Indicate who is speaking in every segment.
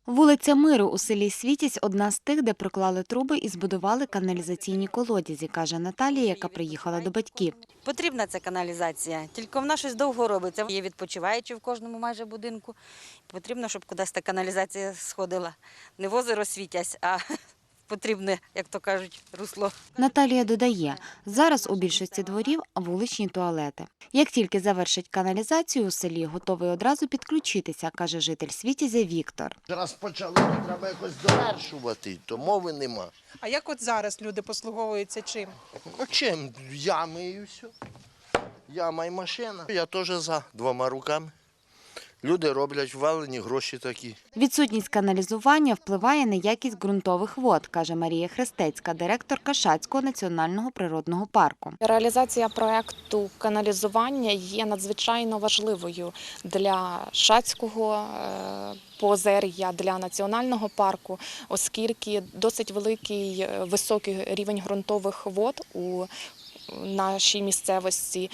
Speaker 1: Вулиця Миру у селі Світязь – одна з тих, де проклали труби і збудували каналізаційні колодязі, каже Наталія, яка приїхала до батьків.
Speaker 2: Потрібна ця каналізація, тільки вона щось довго робиться. Є відпочиваючі в кожному майже будинку. Потрібно, щоб кудись та каналізація сходила. Не в озеро Світязь, а потрібне, як то кажуть, русло.
Speaker 1: Наталія додає, зараз у більшості дворів вуличні туалети. Як тільки завершать каналізацію у селі, готовий одразу підключитися, каже житель Світязя Віктор.
Speaker 3: Раз почали, то треба якось довершувати, то мови нема.
Speaker 4: А як от зараз люди послуговуються чим?
Speaker 3: А чим? Ями і все. Яма і машина. Я теж за двома руками. Люди роблять ввалені гроші такі.
Speaker 1: Відсутність каналізування впливає на якість ґрунтових вод, каже Марія Хрестецька, директорка Шацького національного природного парку.
Speaker 5: Реалізація проєкту каналізування є надзвичайно важливою для Шацького поозер'я, для національного парку, оскільки досить великий високий рівень ґрунтових вод у нашій місцевості,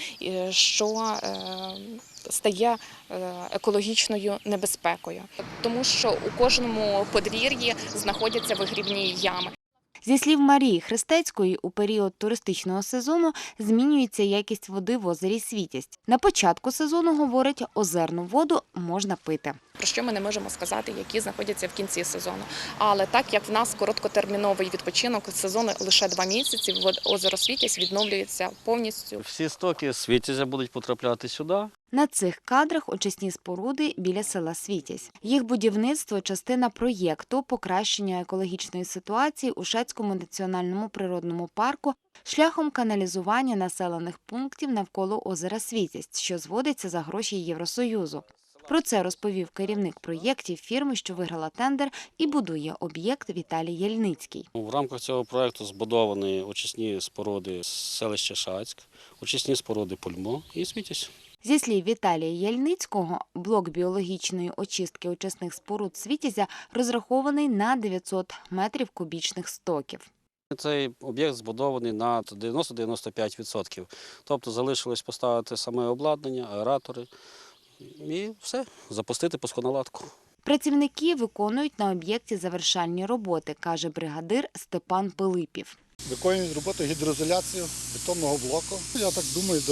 Speaker 5: що стає екологічною небезпекою, тому що у кожному подвір'ї знаходяться вигрібні ями.
Speaker 1: Зі слів Марії Хрестецької, у період туристичного сезону змінюється якість води в озері Світязь. На початку сезону, говорить, озерну воду можна пити.
Speaker 5: Про що ми не можемо сказати, які знаходяться в кінці сезону. Але так як в нас короткотерміновий відпочинок, сезону лише 2 місяці, озеро Світязь відновлюється повністю.
Speaker 6: Всі стоки Світязя будуть потрапляти сюди.
Speaker 1: На цих кадрах очисні споруди біля села Світязь. Їх будівництво – частина проєкту покращення екологічної ситуації у Шацькому національному природному парку шляхом каналізування населених пунктів навколо озера Світязь, що зводиться за гроші Євросоюзу. Про це розповів керівник проєктів фірми, що виграла тендер і будує об'єкт, Віталій Єльницький.
Speaker 6: В рамках цього проєкту збудовані очисні споруди селища Шацьк, очисні споруди Пульмо і Світязь.
Speaker 1: Зі слів Віталія Єльницького, блок біологічної очистки очисних споруд Світязя розрахований на 900 метрів кубічних стоків.
Speaker 6: Цей об'єкт збудований на 90-95%. Тобто залишилось поставити саме обладнання, аератори і все, запустити пусконаладку.
Speaker 1: Працівники виконують на об'єкті завершальні роботи, каже бригадир Степан Пилипів.
Speaker 7: Виконують роботу гідроізоляції бетонного блоку. Я так думаю,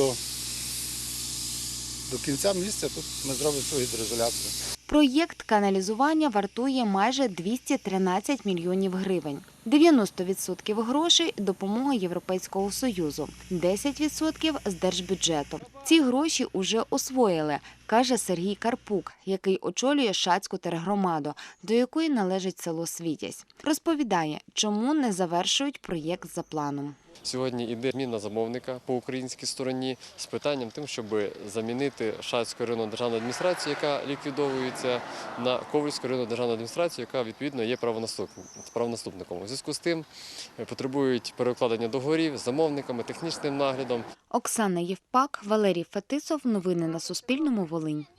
Speaker 7: до кінця місяця тут ми зробимо всю гідроізоляцію.
Speaker 1: Проєкт каналізування вартує майже 213 мільйонів гривень. 90% грошей – допомога Європейського Союзу, 10% – з держбюджету. Ці гроші уже освоїли, каже Сергій Карпук, який очолює Шацьку тергромаду, до якої належить село Світязь. Розповідає, чому не завершують проєкт за планом.
Speaker 8: Сьогодні йде зміна замовника по українській стороні з питанням тим, щоб замінити Шацьку районну державну адміністрацію, яка ліквідовується, на Ковальську районну державну адміністрацію, яка відповідно є правонаступником. У зв'язку з тим потребують перекладення договорів з замовниками, технічним наглядом.
Speaker 1: Оксана Євпак, Валерій Фетисов. Новини на Суспільному. Волинь.